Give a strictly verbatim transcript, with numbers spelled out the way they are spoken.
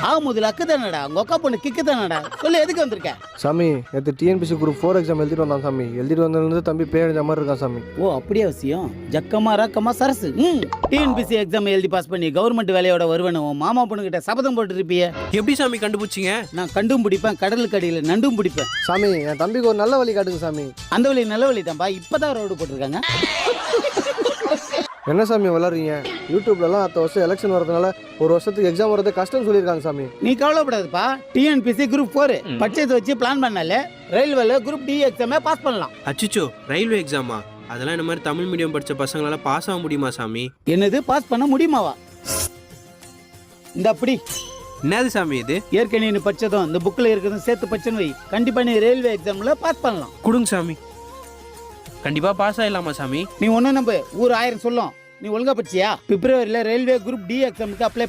ஆ முதல்ல அக்கு தானடா உங்க அக்கா பொண்ணு கிக்கு தானடா சொல்லு எதுக்கு வந்திருக்க? சாமி நேற்று டிஎன்பிசி குரூப் ஃபோர் எக்ஸாம் எழுதிட்டு வந்தான் சாமி. எழுதிட்டு வந்ததுலேருந்து தம்பி பேரஞ்ச மாதிரி இருக்கான் சாமி. ஓ அப்படியே அவசியம் ஜக்கமா ரக்கமா சரசு. ம் டிஎன்பிசி எக்ஸாம் எழுதி பாஸ் பண்ணி கவர்மெண்ட் வேலையோட வருவேன் உன் மாமா பொண்ணுகிட்ட சபதம் போட்டு இருப்பிய. எப்படி சாமி கண்டுபிடிச்சிங்க? நான் கண்டும் பிடிப்பேன் கடலுக்கு அடியில் நண்டும் பிடிப்பேன். சாமி என் தம்பிக்கு ஒரு நல்ல வழி காட்டுங்க சாமி. அந்த வழி நல்ல வழி தான்ப்பா இப்பதான் ரோடு போட்டிருக்காங்க. என்ன சாமி வளர்றீங்க? யூடியூப்லலாம் அடுத்த வருஷம் எலெக்ஷன் வரதுனால ஒரு வருஷத்துக்கு எக்ஸாம் வரது கஷ்டம்னு சொல்லியிருக்காங்க சாமி. நீ கவலைப்படாதுப்பா டிஎன்பிசி குரூப் ஃபோர் பட்ஜெட் வச்சு பிளான் பண்ணாலே ரயில்வேல குரூப் டி எக்ஸாமே பாஸ் பண்ணலாம். அச்சிச்சோ ரயில்வே எக்ஸாமா? அதெல்லாம் இந்த மாதிரி தமிழ் மீடியம் படிச்ச பசங்களால பாஸ் ஆக முடியுமா சாமி? என்னது பாஸ் பண்ண முடியுமாவா? இந்த அப்படி என்னது சாமி இது? ஏற்கனவே நீ படிச்சதும் இந்த புக்கில் இருக்கிறதும் சேர்த்து படிச்சன்னு வை கண்டிப்பா நீ ரயில்வே எக்ஸாம்ல பாஸ் பண்ணலாம். கொடுங்க சாமி. கண்டிப்பா பாஸ் ஆயிடலாமா சாமி? நீ ஒன்னும் நம்ப ஊர் ஆயிரம் சொல்லும். நீ ஒழுங்கா படிச்சியா? பிப்ரவரியில ரயில்வே குரூப் டி எக்ஸாமுக்கு அப்ளை